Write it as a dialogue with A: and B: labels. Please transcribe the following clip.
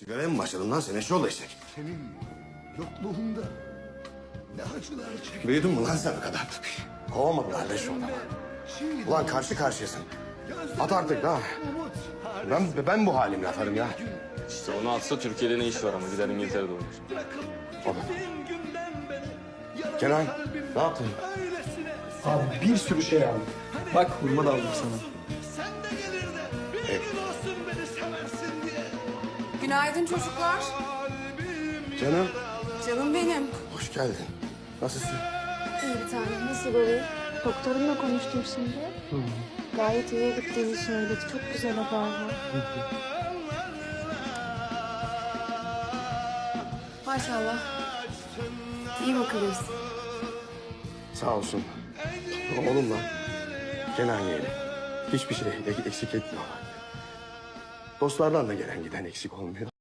A: Sigaraya mı başladın lan sen eşşoğlu eşek?
B: Senin yokluğunda ne acılar çektim.
A: Büyüdün mü lan sen bu kadar? Kovma bir halde şu adamı. Ulan karşı karşıyasın. At artık ha. Ben bu halimle atarım ya.
C: İşte onu atsa Türkiye'de ne iş var ama gider İngiltere'de olur.
A: Oğlum. Kenan ne yaptın?
D: Abi bir sürü şey aldım. Bak hurma da aldım sana.
E: Günaydın çocuklar.
A: Canım
E: Canım benim.
A: hoş geldin. Nasılsın?
F: İyi bir tane. Nasıl oluyor? Doktorumla konuştum şimdi. Gayet iyiye gittiğini söyledi. Çok güzel haber var.
E: Maşallah. İyi bakılırız.
A: Sağ olsun. Oğlumla Kenan yeğenim. Hiçbir şey eksik etmiyorlar. Dostlardan da gelen giden eksik olmuyor.